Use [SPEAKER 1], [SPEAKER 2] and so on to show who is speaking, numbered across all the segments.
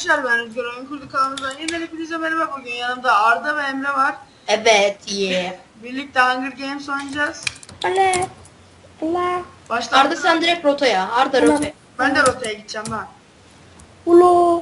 [SPEAKER 1] Arkadaşlar ben Rüzgar Oyun Kurdu kanalımızdan yeniden hepinize merhaba. Bugün yanımda Arda ve Emre var.
[SPEAKER 2] Evet, yeah.
[SPEAKER 1] Birlikte Hunger Games oynayacağız.
[SPEAKER 3] Ale. Allah.
[SPEAKER 1] Başta
[SPEAKER 2] Arda sen direkt rotaya. Arda
[SPEAKER 3] Tamam.
[SPEAKER 2] rotaya.
[SPEAKER 1] ben de rotaya gideceğim lan.
[SPEAKER 3] Ulo.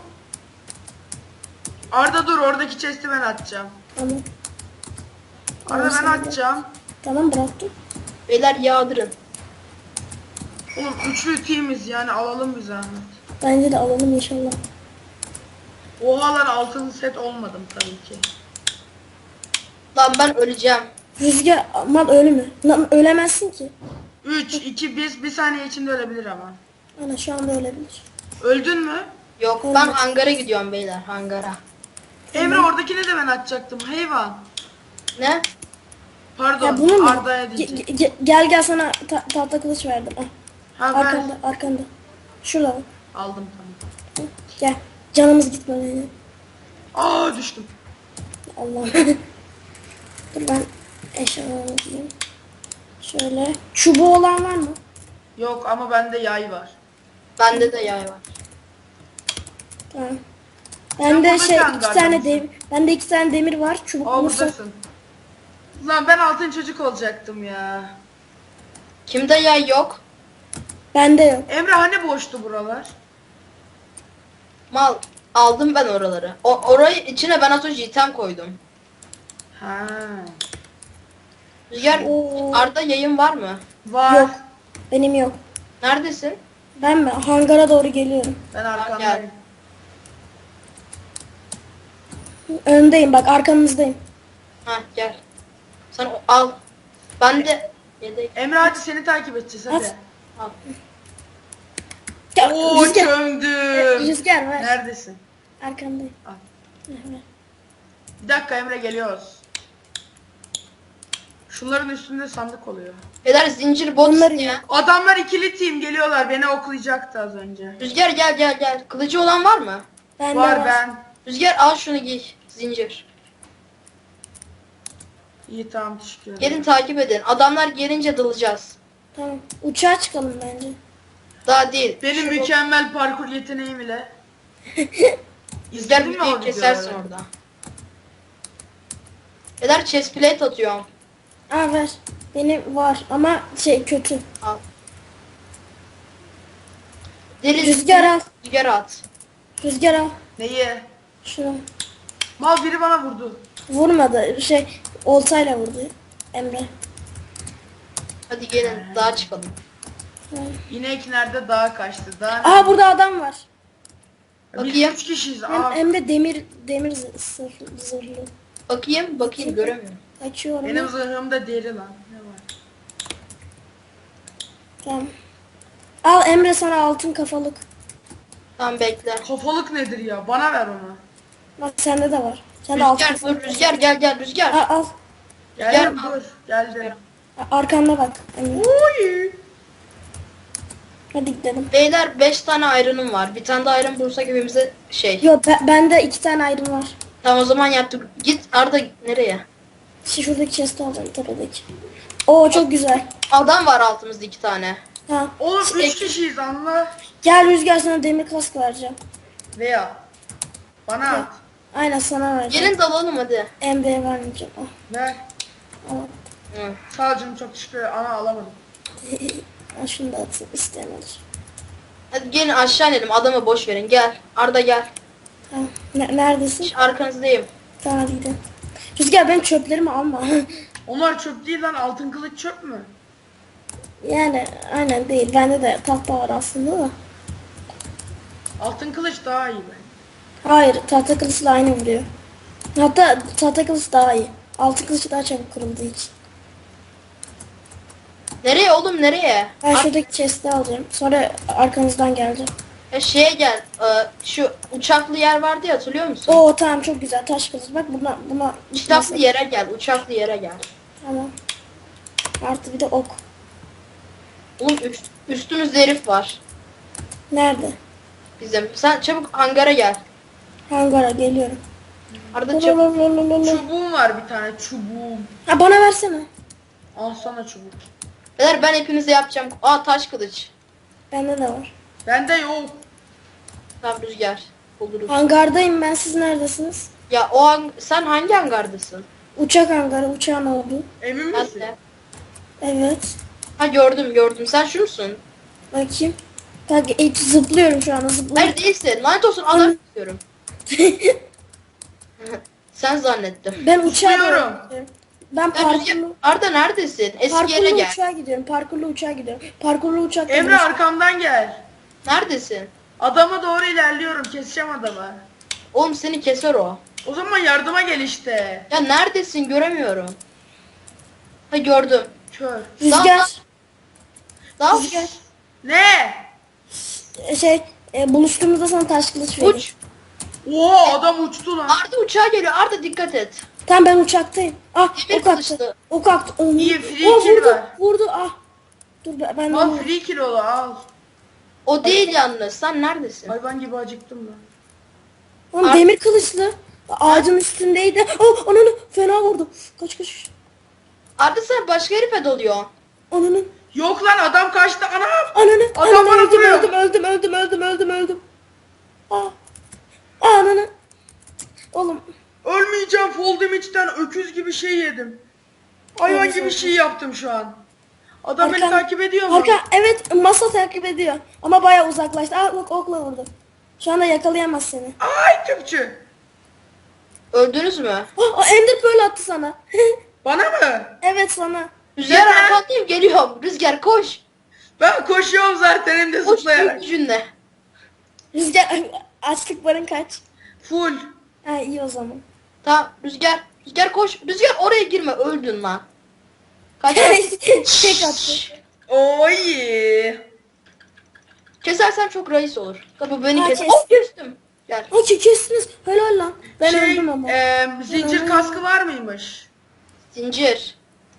[SPEAKER 1] Arda dur, oradaki chest'i ben atacağım.
[SPEAKER 3] Tamam.
[SPEAKER 1] Arda ben
[SPEAKER 3] Tamam,
[SPEAKER 1] atacağım.
[SPEAKER 3] Tamam bıraktım.
[SPEAKER 2] Beyler yağdırın.
[SPEAKER 1] Oğlum üçlü teamiz yani, alalım bir zahmet.
[SPEAKER 3] Bence de alalım inşallah.
[SPEAKER 1] Oha lan, altın set olmadım tabii ki.
[SPEAKER 2] Lan ben öleceğim.
[SPEAKER 3] Rüzgar aman ölme. Lan ölemezsin ki.
[SPEAKER 1] 3, 2, 1 saniye içinde ölebilir ama.
[SPEAKER 3] Ana şu anda ölebilir.
[SPEAKER 1] Öldün mü?
[SPEAKER 2] Yok ben hangara gidiyorum beyler, hangara.
[SPEAKER 1] Emre oradakini de ben atacaktım, hayvan.
[SPEAKER 2] Ne?
[SPEAKER 1] Pardon,
[SPEAKER 3] Ya bunu mu?
[SPEAKER 1] Arda'ya diyeceğim.
[SPEAKER 3] Gel sana tahta kılıç verdim. Ah,
[SPEAKER 1] Ha ver.
[SPEAKER 3] arkanda. Şurada bak.
[SPEAKER 1] Aldım tamam.
[SPEAKER 3] Gel. Canımız gitmedi.
[SPEAKER 1] Aa düştüm.
[SPEAKER 3] Allah. Dur ben eşyalarımı diyeyim. Şöyle. Çubuğu olan var mı?
[SPEAKER 1] Yok ama bende yay var.
[SPEAKER 2] Bende de yay var.
[SPEAKER 3] Tamam.
[SPEAKER 1] Sen
[SPEAKER 3] Bende
[SPEAKER 1] burada
[SPEAKER 3] şey
[SPEAKER 1] can
[SPEAKER 3] iki
[SPEAKER 1] gardın
[SPEAKER 3] tane
[SPEAKER 1] mısın?
[SPEAKER 3] demir. Bende 2 tane demir var. Çubuk
[SPEAKER 1] Aa
[SPEAKER 3] olursa.
[SPEAKER 1] buradasın. Lan ben altın çocuk olacaktım ya.
[SPEAKER 2] Kimde yay yok?
[SPEAKER 3] Bende yok.
[SPEAKER 1] Emre hani boştu buralar?
[SPEAKER 2] Mal. Aldım ben oraları. Orayı içine ben az önce item koydum.
[SPEAKER 1] Ha.
[SPEAKER 2] Rüzgar,
[SPEAKER 3] Oo.
[SPEAKER 2] Arda yayın var mı?
[SPEAKER 1] Var.
[SPEAKER 3] Yok. Benim yok.
[SPEAKER 2] Neredesin?
[SPEAKER 3] Ben mi? Hangara doğru geliyorum.
[SPEAKER 1] Ben
[SPEAKER 2] Gel.
[SPEAKER 1] arkandayım.
[SPEAKER 3] Öndeyim bak arkanızdayım.
[SPEAKER 2] Ha gel. Sen al. Ben de yedek.
[SPEAKER 1] Emre hadi seni takip edeceğiz hadi.
[SPEAKER 3] At.
[SPEAKER 2] Al.
[SPEAKER 3] Ya,
[SPEAKER 1] Oo
[SPEAKER 3] rüzgar.
[SPEAKER 1] çömdüm.
[SPEAKER 3] Rüzgar ver.
[SPEAKER 1] Neredesin?
[SPEAKER 3] Arkandayım.
[SPEAKER 1] Al.
[SPEAKER 3] Ver.
[SPEAKER 1] Bir dakika Emre, geliyoruz. Şunların üstünde sandık oluyor.
[SPEAKER 2] Beyler zincir bot
[SPEAKER 3] Onları
[SPEAKER 2] isteyen.
[SPEAKER 1] Adamlar ikili team geliyorlar, beni oklayacaktı az önce.
[SPEAKER 2] Rüzgar gel. Kılıcı olan var mı?
[SPEAKER 3] Bende
[SPEAKER 1] Var ben.
[SPEAKER 2] Rüzgar al şunu giy. Zincir.
[SPEAKER 1] İyi tamam, teşekkür ederim.
[SPEAKER 2] Gelin takip edin. Adamlar gelince dalacağız.
[SPEAKER 3] Tamam. Uçağa çıkalım bence.
[SPEAKER 2] Daha değil.
[SPEAKER 1] Benim
[SPEAKER 2] Şu-
[SPEAKER 1] mükemmel parkur yeteneğim ile.
[SPEAKER 2] Rüzgar
[SPEAKER 1] İzledin mi o
[SPEAKER 2] videoyu kesersin
[SPEAKER 1] videoları?
[SPEAKER 2] orada. Beyler chest plate atıyorum.
[SPEAKER 3] Aa ver. Benim var ama şey kötü.
[SPEAKER 2] Al. Deri
[SPEAKER 3] Rüzgar al.
[SPEAKER 2] Rüzgar at.
[SPEAKER 3] Rüzgar al.
[SPEAKER 1] Neyi?
[SPEAKER 3] Şunu.
[SPEAKER 1] Mal biri bana vurdu.
[SPEAKER 3] Vurmadı. Şey oltayla vurdu Emre.
[SPEAKER 2] Hadi gelin dağa çıkalım.
[SPEAKER 1] İnek nerede? Dağa kaçtı. Dağa nerede?
[SPEAKER 3] Aa burada adam var.
[SPEAKER 1] Biz
[SPEAKER 2] Bakayım.
[SPEAKER 1] 3 kişiyiz.
[SPEAKER 3] Hem,
[SPEAKER 1] Aa,
[SPEAKER 3] hem de demir zırhlı.
[SPEAKER 2] Bakayım göremiyorum.
[SPEAKER 3] Açıyorum.
[SPEAKER 1] benim zırhımda deri lan. Ne var?
[SPEAKER 3] Tamam. Al Emre sana altın kafalık.
[SPEAKER 2] Tamam bekle.
[SPEAKER 1] Kafalık nedir ya? Bana ver onu.
[SPEAKER 3] Bak sende de var. Sen de altın
[SPEAKER 2] Rüzgar dur
[SPEAKER 3] kafalık.
[SPEAKER 2] Rüzgar gel Rüzgar.
[SPEAKER 3] Al.
[SPEAKER 1] Geldim
[SPEAKER 2] Gel.
[SPEAKER 1] dur. Geldim.
[SPEAKER 3] Arkanda bak. Emre.
[SPEAKER 1] Uy.
[SPEAKER 3] Hadi gidelim.
[SPEAKER 2] Beyler 5 tane iron'um var. Bir tane de iron bulursak hepimize şey.
[SPEAKER 3] Yok bende 2 tane ayrım var.
[SPEAKER 2] Tamam o zaman yaptık. Git Arda nereye?
[SPEAKER 3] Şuradaki chest'i alacağım tepedeki. Oo çok güzel.
[SPEAKER 2] Adam var altımızda 2 tane.
[SPEAKER 3] Ha.
[SPEAKER 1] Oğlum
[SPEAKER 3] Şey,
[SPEAKER 1] 3 kişiyiz anla.
[SPEAKER 3] Gel Rüzgar sana demir kask vereceğim.
[SPEAKER 1] Veya. Bana at.
[SPEAKER 3] Aynen sana vereceğim.
[SPEAKER 2] Gelin dalalım hadi.
[SPEAKER 3] Emre'ye vermeyeceğim. Al.
[SPEAKER 1] Ver.
[SPEAKER 3] Al.
[SPEAKER 2] Hı.
[SPEAKER 1] Sağ ol canım, çok teşekkür ederim. Ana alamadım.
[SPEAKER 3] Al şunu da atayım. İsteyen alır.
[SPEAKER 2] Hadi gelin aşağı inelim. Adamı boş verin. Gel. Arda gel.
[SPEAKER 3] Ha. Neredesin?
[SPEAKER 2] Arkanızdayım.
[SPEAKER 3] Tamam hadi gidelim. Rüzgar benim çöplerimi alma.
[SPEAKER 1] Onlar çöp değil lan, altın kılıç çöp mü?
[SPEAKER 3] Yani aynen değil. Bende de tahta var aslında da.
[SPEAKER 1] Altın kılıç daha iyi be.
[SPEAKER 3] Hayır tahta kılıçla aynı vuruyor. Hatta tahta kılıç daha iyi. Altın kılıç daha çabuk kırıldığı için.
[SPEAKER 2] Nereye oğlum nereye?
[SPEAKER 3] Ben şuradaki chest'i alacağım. Sonra arkanızdan geleceğim.
[SPEAKER 2] Şeye gel. Şu uçaklı yer vardı ya hatırlıyor musun?
[SPEAKER 3] Oo tamam çok güzel taş kılıç. Bak buna
[SPEAKER 2] Uçaklı yere gel. Uçaklı yere gel.
[SPEAKER 3] Tamam. Artı bir de ok.
[SPEAKER 2] Oğlum üstümüzde herif var.
[SPEAKER 3] Nerede?
[SPEAKER 2] Bizim. Sen çabuk hangara gel.
[SPEAKER 3] Hangara geliyorum.
[SPEAKER 2] Arda çabuk.
[SPEAKER 1] Çubuğum var bir tane, çubuğum.
[SPEAKER 3] Ha bana versene.
[SPEAKER 1] Al sana çubuk.
[SPEAKER 2] Beyler ben hepinize yapacağım. Aa taş kılıç.
[SPEAKER 3] Bende de var.
[SPEAKER 1] Bende yok.
[SPEAKER 2] Tamam Rüzgar. Oluruz.
[SPEAKER 3] Hangardayım ben, siz neredesiniz?
[SPEAKER 2] Ya sen hangi hangardasın?
[SPEAKER 3] Uçak hangarı, uçağın olduğu.
[SPEAKER 1] Emin
[SPEAKER 2] Ben
[SPEAKER 1] misin?
[SPEAKER 2] de.
[SPEAKER 3] Evet.
[SPEAKER 2] Ha gördüm. Sen şu musun?
[SPEAKER 3] Bakayım. Bak zıplıyorum şu anda, zıplıyorum.
[SPEAKER 2] Hayır değilsin. Lanet olsun adam istiyorum. Sen zannettim.
[SPEAKER 3] Ben uçağa
[SPEAKER 1] Zıplıyorum.
[SPEAKER 3] doğru gidiyorum. Ben
[SPEAKER 2] Ya Rüzgar, Arda neredesin? Eski yere
[SPEAKER 3] parkurlu
[SPEAKER 2] gel.
[SPEAKER 3] uçağa gidiyorum. Parkurlu uçağa gidiyorum. Parkurlu uçakta
[SPEAKER 1] Emre arkamdan gel.
[SPEAKER 2] Neredesin?
[SPEAKER 1] Adama doğru ilerliyorum. Keseceğim adamı.
[SPEAKER 2] Oğlum seni keser o.
[SPEAKER 1] O zaman yardıma gel işte.
[SPEAKER 2] Ya neredesin göremiyorum. Ha gördüm.
[SPEAKER 1] Kör.
[SPEAKER 3] Rüzgar.
[SPEAKER 2] Daha
[SPEAKER 3] Rüzgar.
[SPEAKER 1] Ne?
[SPEAKER 3] Buluştuğumuzda sana taş kılıç vereyim.
[SPEAKER 2] uç.
[SPEAKER 1] Oo adam uçtu lan.
[SPEAKER 2] Arda uçağa geliyor. Arda dikkat et.
[SPEAKER 3] Tamam ben uçaktayım. Ah
[SPEAKER 2] Demir
[SPEAKER 3] ok attı.
[SPEAKER 2] kılıçlı.
[SPEAKER 3] Ok attı. Oh,
[SPEAKER 1] İyi, free
[SPEAKER 3] oh,
[SPEAKER 1] kill
[SPEAKER 3] vurdu.
[SPEAKER 1] var.
[SPEAKER 3] Vurdu. Ah. Dur ben
[SPEAKER 1] Al free kill olu al.
[SPEAKER 2] O değil yalnız. Sen neredesin?
[SPEAKER 1] Hayvan gibi acıktım lan.
[SPEAKER 3] Oğlum
[SPEAKER 2] Ar-
[SPEAKER 3] demir kılıçlı. Ağacın üstündeydi. Oh ananı fena vurdu. Kaç.
[SPEAKER 2] Arda sen başka herife doluyor.
[SPEAKER 3] Ananı.
[SPEAKER 1] Yok lan adam kaçtı anam.
[SPEAKER 3] Ananı.
[SPEAKER 1] Adam
[SPEAKER 3] Ananı
[SPEAKER 1] bana vuruyor.
[SPEAKER 3] öldüm. Ah. Ananı. Oğlum.
[SPEAKER 1] Ölmeyeceğim fall damage'den öküz gibi şey yedim. Hayvan
[SPEAKER 3] Evet,
[SPEAKER 1] gibi
[SPEAKER 3] evet.
[SPEAKER 1] şey yaptım şu an. Adam beni
[SPEAKER 3] Arkan-
[SPEAKER 1] takip ediyor mu?
[SPEAKER 3] Evet masa takip ediyor. Ama bayağı uzaklaştı. Ah bak okla vurdu. Şu anda yakalayamaz seni.
[SPEAKER 1] Ay tüpçü.
[SPEAKER 2] Öldünüz mü?
[SPEAKER 3] Ender Pearl attı sana.
[SPEAKER 1] Bana mı?
[SPEAKER 3] Evet sana.
[SPEAKER 2] Rüzgar
[SPEAKER 1] Yeter.
[SPEAKER 2] arkandayım geliyorum. Rüzgar koş.
[SPEAKER 1] Ben koşuyorum zaten hem de
[SPEAKER 2] Koş
[SPEAKER 1] zıplayarak.
[SPEAKER 2] büyük gücünle.
[SPEAKER 3] Rüzgar açlık barın kaç?
[SPEAKER 1] Full.
[SPEAKER 3] Ha iyi o zaman.
[SPEAKER 2] Tamam Rüzgar. Rüzgar koş. Rüzgar oraya girme öldün lan. Kaç.
[SPEAKER 3] Tek attı.
[SPEAKER 1] Oy.
[SPEAKER 2] Kesersem çok reis olur. Tabii beni
[SPEAKER 3] Ha,
[SPEAKER 2] kes.
[SPEAKER 3] kes.
[SPEAKER 2] Oh kestim. Gel.
[SPEAKER 3] Ha kestiniz. Helal lan. Ben öldüm ama.
[SPEAKER 1] Zincir kaskı var mıymış?
[SPEAKER 2] Zincir.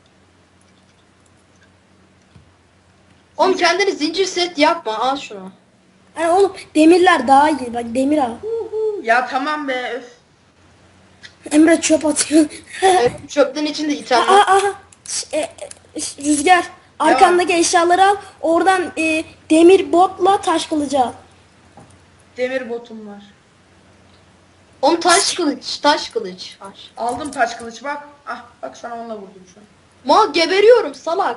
[SPEAKER 2] Oğlum kendini zincir set yapma. Al şunu.
[SPEAKER 3] Yani oğlum demirler daha iyi. Bak demir al.
[SPEAKER 1] Ya tamam be öf.
[SPEAKER 3] Emre çöp atıyor.
[SPEAKER 2] Çöpten içinde itemler.
[SPEAKER 3] Aha. Rüzgar. Arkandaki eşyaları al. Oradan demir botla taş kılıcı al.
[SPEAKER 1] Demir botum var.
[SPEAKER 2] Oğlum taş kılıç. Taş kılıç. Taş.
[SPEAKER 1] Aldım taş kılıç bak. Ah bak sana onunla vurdum şu an.
[SPEAKER 2] Mal geberiyorum salak.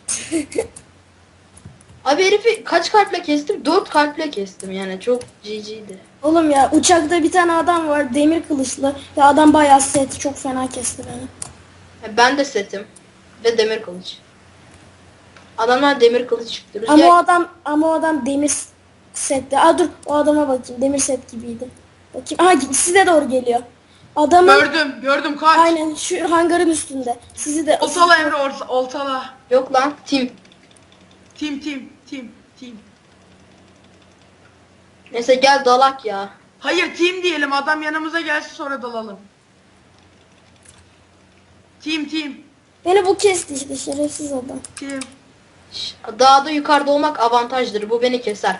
[SPEAKER 2] Abi herifi kaç kalple kestim? 4 kalple kestim yani çok GG'di.
[SPEAKER 3] Oğlum ya uçakta bir tane adam var demir kılıçlı. Ya adam bayağı set çok fena kesti beni.
[SPEAKER 2] Ben de setim. Ve demir kılıç. Adamlar demir kılıç çıktı.
[SPEAKER 3] Ama
[SPEAKER 2] Rüzgar-
[SPEAKER 3] o adam demir sette. Aa dur o adama bakayım. Demir set gibiydi. Bakayım. Aha size doğru geliyor. Adamın
[SPEAKER 1] Gördüm kaç.
[SPEAKER 3] aynen şu hangarın üstünde. Sizi de
[SPEAKER 1] Oltala Emre oltala.
[SPEAKER 2] Yok lan tim.
[SPEAKER 1] Team.
[SPEAKER 2] Neyse gel dalak ya.
[SPEAKER 1] Hayır team diyelim adam yanımıza gelsin sonra dalalım. Team.
[SPEAKER 3] beni bu kesti işte şerefsiz adam.
[SPEAKER 1] Team.
[SPEAKER 2] Şş, dağda yukarıda olmak avantajdır. Bu beni keser.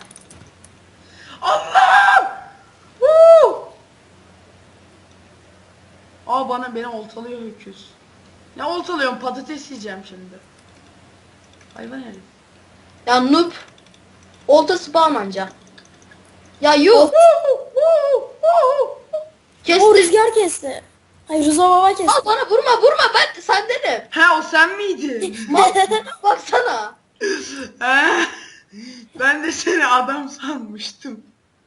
[SPEAKER 1] Allah! Woo! Beni oltalıyor öküz. Ne oltalıyorum patates yiyeceğim şimdi. Hayvan herif.
[SPEAKER 2] Ya noob. Olta spawn anca. Ya yuh.
[SPEAKER 3] O
[SPEAKER 2] Kesti.
[SPEAKER 3] rüzgar kesti. Hayır Rıza baba kesti.
[SPEAKER 2] Al bana vurma ben sendenim.
[SPEAKER 1] Ha o sen miydin?
[SPEAKER 2] Mal baksana.
[SPEAKER 1] Ha? Ben de seni adam sanmıştım.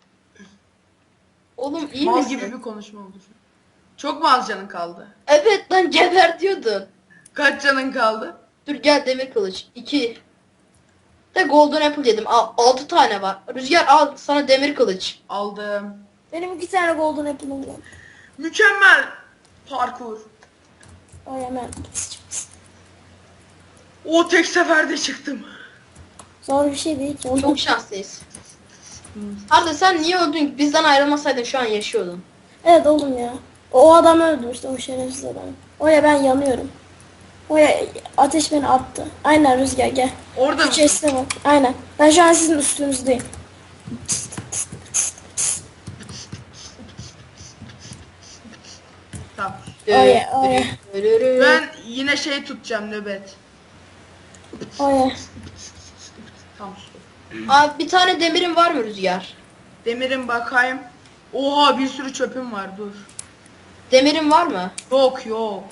[SPEAKER 2] Oğlum iyi
[SPEAKER 1] Mal
[SPEAKER 2] misin?
[SPEAKER 1] gibi bir konuşma oldu şu an. Çok mu az canın kaldı?
[SPEAKER 2] Evet lan geber diyordun.
[SPEAKER 1] Kaç canın kaldı?
[SPEAKER 2] Dur gel demir kılıç. 2. De golden apple dedim. 6 tane var. Rüzgar al sana demir kılıç.
[SPEAKER 1] Aldım.
[SPEAKER 3] Benim 2 tane golden apple'ım var.
[SPEAKER 1] Mükemmel parkur.
[SPEAKER 3] Ay hemen.
[SPEAKER 1] O tek seferde çıktım.
[SPEAKER 3] Zor bir şey değil ki.
[SPEAKER 2] Çok şanslıyız. Arda sen niye öldün? Bizden ayrılmasaydın şu an yaşıyordun.
[SPEAKER 3] Evet oğlum ya. O adam öldü işte o şerefsiz adam. Oya ben yanıyorum. Oya ateş beni attı. Aynen Rüzgar gel.
[SPEAKER 1] Orada
[SPEAKER 3] Şu
[SPEAKER 1] mısın?
[SPEAKER 3] chest'e bak. Aynen. Ben şu an sizin üstünüzdeyim.
[SPEAKER 1] Tamam.
[SPEAKER 3] Oya.
[SPEAKER 1] Ben yine şey tutacağım nöbet.
[SPEAKER 3] Oya.
[SPEAKER 1] Tamam.
[SPEAKER 2] Abi bir tane demirin var mı Rüzgar?
[SPEAKER 1] Demirin bakayım. Oha bir sürü çöpüm var dur.
[SPEAKER 2] Demirin var mı?
[SPEAKER 1] Yok yok.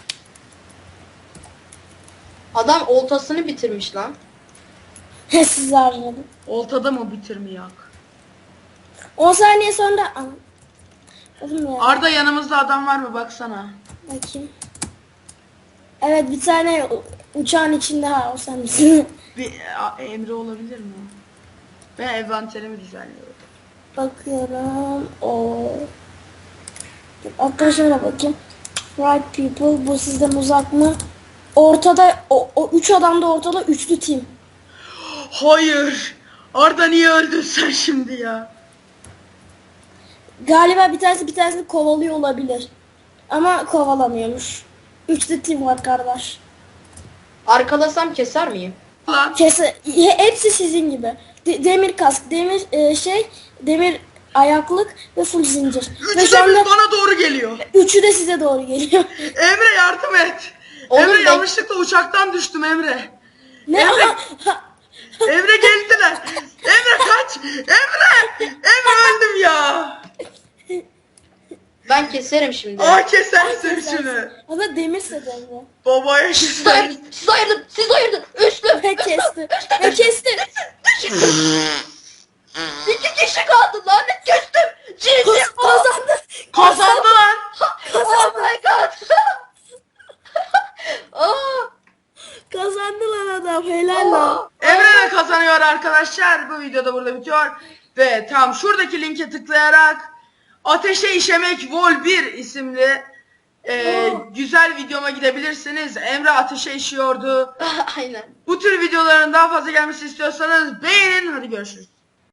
[SPEAKER 2] Adam oltasını bitirmiş lan.
[SPEAKER 3] Siz harcadım.
[SPEAKER 1] Oltada mı bitirmeyek?
[SPEAKER 3] 10 saniye sonra... Oğlum ya.
[SPEAKER 1] Arda yanımızda adam var mı baksana.
[SPEAKER 3] Bakayım. Evet bir tane uçağın içinde ha o sen misin?
[SPEAKER 1] Emre olabilir mi? Ben envanterimi düzenliyorum.
[SPEAKER 3] Bakıyorum. O. Arkadaşlara bakayım. Right people bu sizden uzak mı? Ortada o 3 adam da ortada üçlü team.
[SPEAKER 1] Hayır. Arda niye öldün sen şimdi ya?
[SPEAKER 3] Galiba bir tanesini kovalıyor olabilir. Ama kovalamıyormuş. Üçlü team var kardeş.
[SPEAKER 2] Arkalasam keser miyim?
[SPEAKER 1] Lan.
[SPEAKER 3] Hepsi sizin gibi. Demir kask, demir ayaklık ve full zincir. Ve
[SPEAKER 1] Üçü
[SPEAKER 3] şu
[SPEAKER 1] de
[SPEAKER 3] anda
[SPEAKER 1] bana doğru geliyor.
[SPEAKER 3] üçü de size doğru geliyor.
[SPEAKER 1] Emre yardım et.
[SPEAKER 2] Oğlum
[SPEAKER 1] Emre
[SPEAKER 2] ben-
[SPEAKER 1] yanlışlıkla uçaktan düştüm Emre.
[SPEAKER 3] Ne?
[SPEAKER 1] Emre, Emre geldiler. Emre kaç. Emre öldüm ya.
[SPEAKER 2] Ben keserim şimdi.
[SPEAKER 1] Kesersin şunu.
[SPEAKER 3] Ama demir sedemde.
[SPEAKER 1] Babaya
[SPEAKER 2] Siz
[SPEAKER 1] keser.
[SPEAKER 2] ayırdın. Siz ayırdın. Siz ayırdın. Üçlü.
[SPEAKER 3] Ve kesti. Ve kesti.
[SPEAKER 2] İki kişi kaldı lan. Kestim. Cici.
[SPEAKER 3] Kazandı.
[SPEAKER 1] Kazandı lan.
[SPEAKER 2] Oh my god. Aa.
[SPEAKER 3] Kazandı lan adam. Helal lan.
[SPEAKER 1] Emre de kazanıyor arkadaşlar. Bu videoda burada bitiyor. Ve tam şuradaki linke tıklayarak Ateşe İşemek Vol 1 isimli güzel videoma gidebilirsiniz. Emre ateşe işiyordu.
[SPEAKER 2] Aynen.
[SPEAKER 1] Bu tür videoların daha fazla gelmesi istiyorsanız beğenin. Hadi görüşürüz.